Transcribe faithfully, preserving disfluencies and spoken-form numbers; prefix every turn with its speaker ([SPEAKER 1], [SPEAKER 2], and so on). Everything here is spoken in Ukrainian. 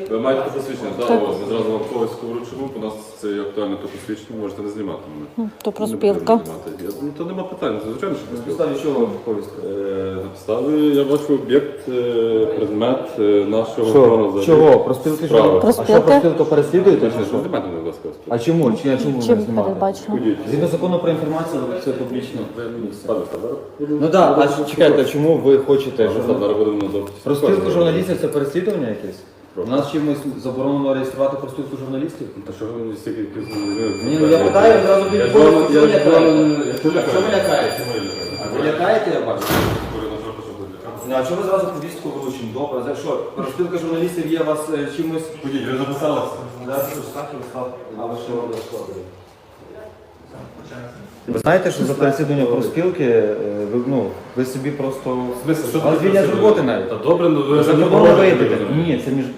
[SPEAKER 1] Ви маєте посвідчення, так, ось, ми зразу вам когось вручимо, у нас це є актуальне то посвідчення, можете не знімати мене.
[SPEAKER 2] То про
[SPEAKER 1] Не
[SPEAKER 2] спілка.
[SPEAKER 1] потрібно знімати. Я- Ну, то нема питань, це звичайно, що
[SPEAKER 3] На
[SPEAKER 1] про спілку.
[SPEAKER 3] підставі чого вам повістка?
[SPEAKER 1] Е, На підставі я бачу об'єкт, е, предмет е, нашого
[SPEAKER 3] Що?
[SPEAKER 1] взагалі
[SPEAKER 3] Чого? Про спілки
[SPEAKER 1] справи.
[SPEAKER 3] чого?
[SPEAKER 2] Про
[SPEAKER 3] А що
[SPEAKER 2] спілки?
[SPEAKER 3] про спілку переслідуєте чи що?
[SPEAKER 1] Знімайте мене, будь ласка.
[SPEAKER 3] А чому? Чи, чому ви
[SPEAKER 2] Чим
[SPEAKER 3] не знімаєте?
[SPEAKER 2] передбачено?
[SPEAKER 3] Згідно закону про інформацію, це публічно.
[SPEAKER 1] Пане Федоре,
[SPEAKER 3] Ну так, а чекайте, чому ви хочете?
[SPEAKER 1] що там зараз будемо на допиті?
[SPEAKER 3] Про спілку журналістів це переслідування якесь? У нас чимось заборонено реєструвати про спілку журналістів?
[SPEAKER 1] Та що ви мені стільки якісь...
[SPEAKER 3] Ні, ну я питаю, одразу
[SPEAKER 1] Я
[SPEAKER 3] від
[SPEAKER 1] ж вам-
[SPEAKER 3] що
[SPEAKER 1] я
[SPEAKER 3] ви
[SPEAKER 1] ж
[SPEAKER 3] лякаєте?
[SPEAKER 1] вам-
[SPEAKER 3] Що ви лякаєте?
[SPEAKER 1] Чому я лякаю?
[SPEAKER 3] А ви лякаєте, я бачу?
[SPEAKER 1] Говорю, на жопу, що буде лякати.
[SPEAKER 3] Ну, а чому ви зразу повістку вручимо? Добре, за що? Розпілка журналістів є у вас е, чимось...
[SPEAKER 1] Ходіть, ви записалися?
[SPEAKER 3] А ви що робите? Ви знаєте, що за переслідування профспілки, е, ви, ну, ви собі просто...
[SPEAKER 1] В смислі, що
[SPEAKER 3] Але
[SPEAKER 1] таке
[SPEAKER 3] звільнять з
[SPEAKER 1] переслідування?
[SPEAKER 3] роботи навіть.
[SPEAKER 1] Та добре, ну ви
[SPEAKER 3] Ви
[SPEAKER 1] вже
[SPEAKER 3] за
[SPEAKER 1] не
[SPEAKER 3] кордоном
[SPEAKER 1] говорите.
[SPEAKER 3] виїдете. Ні, це між...